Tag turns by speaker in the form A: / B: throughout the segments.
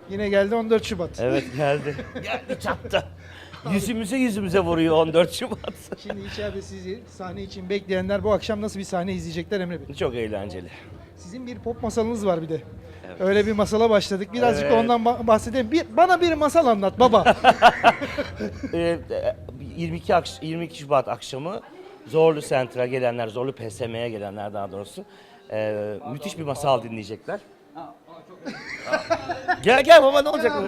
A: Yine geldi 14 Şubat.
B: Evet geldi. Geldi çattı. Yüzümüze vuruyor 14 Şubat.
A: Şimdi içeride sizi sahne için bekleyenler bu akşam nasıl bir sahne izleyecekler Emre Bey?
B: Çok eğlenceli.
A: Sizin bir pop masalınız var bir de.
B: Evet.
A: Öyle bir masala başladık. Birazcık da
B: Evet.
A: ondan bahsedelim. Bana bir masal anlat baba.
B: 22 Şubat akşamı Zorlu Center'a gelenler, Zorlu PSM'ye gelenler daha doğrusu müthiş bir masal dinleyecekler. Gel baba ne olacak?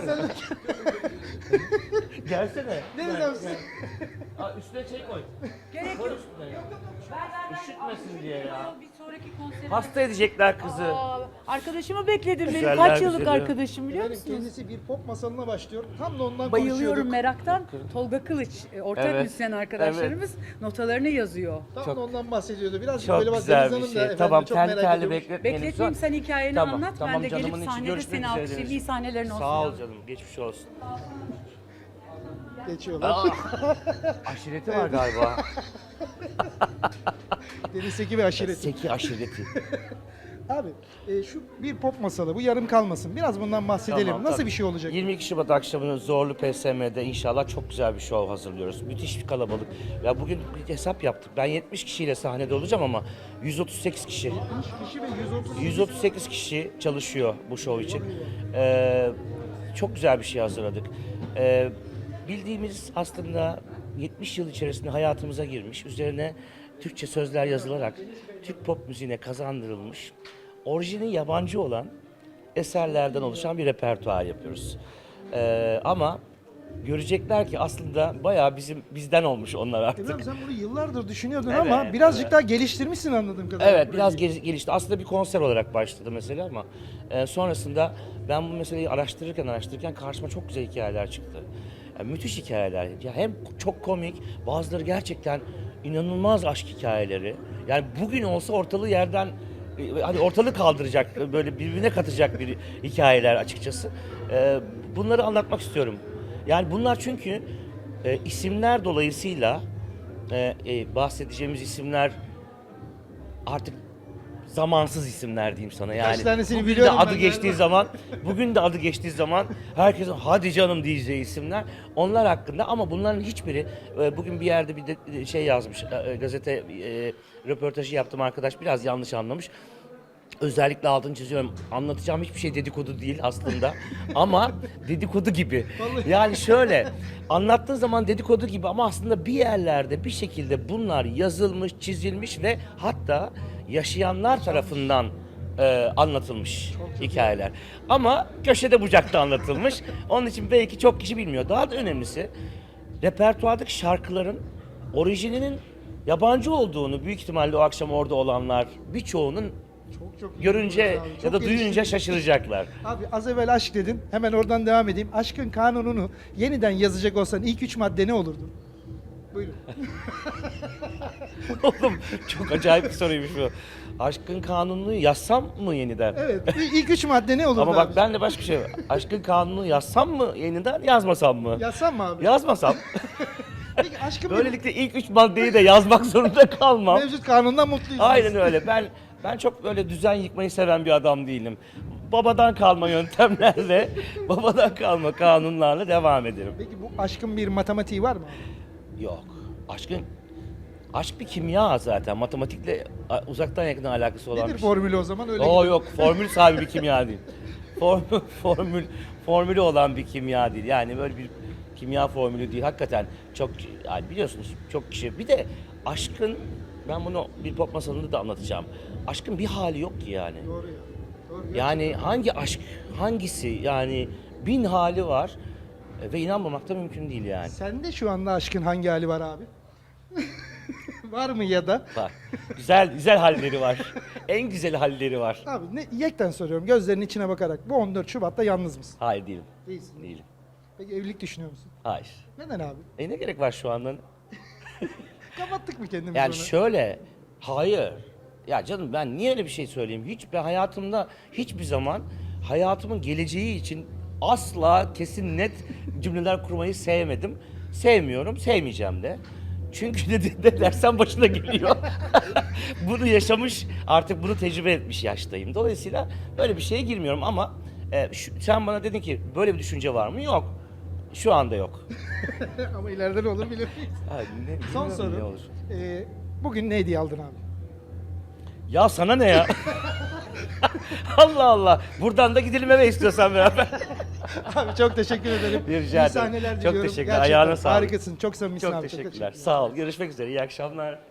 B: Gelsene.
A: Deniz abi siz-
B: Üstüne şey koy.
C: Gerek
B: Koy
C: yok.
B: üstüne. Üşütmesin diye ya.
C: Bir sonraki konser.
B: Hasta edecekler kızı.
C: Arkadaşımı bekledim. Benim
B: Güzeller
C: kaç yıllık
B: güzeli.
C: arkadaşım biliyor
A: Efendim,
C: musunuz?
A: kendisi bir pop masalına başlıyor. Tam da ondan
C: Bayılıyorum
A: konuşuyorduk.
C: meraktan. Tolga Kılıç, ortak
B: Evet.
C: müzisyen arkadaşlarımız notalarını yazıyor.
A: Tam
B: Çok-
A: da ondan bahsediyordu. Birazcık
B: Çok
A: böyle bak
B: güzel
A: Deniz
B: bir
A: Hanım da
B: şey.
A: efendim
B: Tamam
A: çok
B: terli
A: merak
B: terli
A: ediyormuş.
B: bekletmeyelim.
C: Bekleteyim sen hikayeni
B: Tamam,
C: anlat.
B: tamam
C: Ben de gelip
B: canımın içi,
C: sahnede
B: görüşmek
C: seni
B: üzere
C: alkışlayayım. İyi
B: Denizciğim.
C: sahnelerin olsun.
B: Sağ ol
C: yavrum.
B: canım geçmiş olsun.
A: Geçiyorlar.
B: Aşireti var galiba.
A: Deniz Seki ve aşireti.
B: Seki aşireti.
A: Abi şu bir pop masalı bu yarım kalmasın. Biraz bundan bahsedelim.
B: Tamam,
A: Nasıl
B: tabii.
A: bir şey olacak?
B: 22 Şubat akşamını Zorlu PSM'de inşallah çok güzel bir şov hazırlıyoruz. Müthiş bir kalabalık. Ya bugün bir hesap yaptık. Ben 70 kişiyle sahnede olacağım ama 138 kişi.
A: 70 kişi ve 130
B: 138 kişi çalışıyor bu şov için. Çok güzel bir şey hazırladık. Bildiğimiz aslında 70 yıl içerisinde hayatımıza girmiş, üzerine Türkçe sözler yazılarak Türk pop müziğine kazandırılmış, orijini yabancı olan eserlerden oluşan bir repertuar yapıyoruz. Ama görecekler ki aslında bayağı bizden olmuş onlar artık.
A: İbrahim sen bunu yıllardır düşünüyordun
B: Evet,
A: ama birazcık
B: evet.
A: daha geliştirmişsin anladığım kadarıyla.
B: Evet biraz gelişti. Aslında bir konser olarak başladı mesela ama sonrasında ben bu meseleyi araştırırken karşıma çok güzel hikayeler çıktı. Yani müthiş hikayeler. Ya hem çok komik, bazıları gerçekten inanılmaz aşk hikayeleri. Yani bugün olsa ortalığı yerden hani ortalığı kaldıracak, böyle birbirine katacak bir hikayeler açıkçası. Bunları anlatmak istiyorum. Yani bunlar çünkü isimler dolayısıyla bahsedeceğimiz isimler artık zamansız isimler diyeyim sana. Yani
A: tanesini
B: bugün de
A: biliyorum
B: adı
A: ben
B: geçtiği
A: galiba.
B: zaman, bugün de adı geçtiği zaman herkesin hadi canım diyeceği isimler onlar hakkında ama bunların hiçbiri bugün bir yerde bir de şey yazmış gazete röportajı yaptım arkadaş biraz yanlış anlamış. Özellikle altını çiziyorum. Anlatacağım hiçbir şey dedikodu değil aslında. Ama dedikodu gibi. Yani şöyle anlattığın zaman dedikodu gibi ama aslında bir yerlerde bir şekilde bunlar yazılmış, çizilmiş ve hatta yaşayanlar tarafından anlatılmış hikayeler. Ama köşede bucakta anlatılmış. Onun için belki çok kişi bilmiyor. Daha da önemlisi repertuardaki şarkıların orijininin yabancı olduğunu büyük ihtimalle o akşam orada olanlar birçoğunun
A: Çok iyi
B: görünce
A: abi, çok
B: ya da duyunca
A: geliştirmiş.
B: şaşıracaklar.
A: Abi az evvel aşk dedin. Hemen oradan devam edeyim. Aşkın kanununu yeniden yazacak olsan ilk 3 madde ne olurdu? Buyurun.
B: Oğlum çok acayip bir soruymuş bu. Aşkın kanununu yazsam mı yeniden?
A: Evet. İlk 3 madde ne olurdu
B: Ama bak
A: abi?
B: ben de başka bir şey var. Aşkın kanununu yazsam mı yeniden, yazmasam mı?
A: Yazsam mı abi?
B: Yazmasam.
A: Peki aşkın bir
B: Böylelikle ilk 3 maddeyi de yazmak zorunda kalmam.
A: mevcut kanundan mutluyuz.
B: Aynen öyle. Ben çok böyle düzen yıkmayı seven bir adam değilim. Babadan kalma yöntemlerle, babadan kalma kanunlarla devam ederim.
A: Peki bu aşkın bir matematiği var mı?
B: Yok. Aşk bir kimya zaten. Matematikle uzaktan yakın alakası olan
A: Nedir
B: bir şey.
A: formülü o zaman? Öyle
B: Oo
A: gibi.
B: yok. Formül sahibi bir kimya değil. Formülü olan bir kimya değil. Yani böyle bir kimya formülü değil. Hakikaten çok yani biliyorsunuz çok kişi. Bir de aşkın ben bunu bir pop masalında da anlatacağım. Aşkın bir hali yok ki yani.
A: Doğru ya. Doğru.
B: Yani hangi aşk, hangisi yani bin hali var ve inanmamak da mümkün değil yani.
A: Sende şu anda aşkın hangi hali var abi? Var mı ya da?
B: Var. Güzel halleri var. En güzel halleri var.
A: Abi yekten soruyorum gözlerinin içine bakarak. Bu 14 Şubat'ta yalnız mısın?
B: Hayır değilim.
A: Değilsin.
B: Değilim.
A: Peki evlilik düşünüyor musun?
B: Hayır.
A: Neden abi?
B: Ne gerek var şu anda?
A: Kapattık mı kendimizi
B: Yani
A: ona?
B: şöyle, hayır. Ya canım ben niye öyle bir şey söyleyeyim? Ben hayatımda hiçbir zaman hayatımın geleceği için asla kesin net cümleler kurmayı sevmedim. Sevmiyorum, sevmeyeceğim de. Çünkü ne dersen başına geliyor. Bunu yaşamış, artık bunu tecrübe etmiş yaştayım. Dolayısıyla böyle bir şeye girmiyorum ama Sen bana dedin ki böyle bir düşünce var mı? Yok. Şu anda yok.
A: Ama ileride ne olur bilir miyiz?
B: Ha,
A: Son
B: bilmiyorum ne
A: soru.
B: olur.
A: Bugün ne hediye aldın abi?
B: Ya sana ne ya? Allah Allah. Buradan da gidelim eve istiyorsan beraber.
A: Abi çok teşekkür ederim.
B: Rica
A: İyi
B: ederim.
A: sahneler
B: Çok
A: diliyorum.
B: teşekkürler.
A: Gerçekten
B: Ayağına sağlık.
A: harikasın. Çok samimisin
B: Çok
A: abi.
B: teşekkürler. Sağ ol. Görüşmek üzere. İyi akşamlar.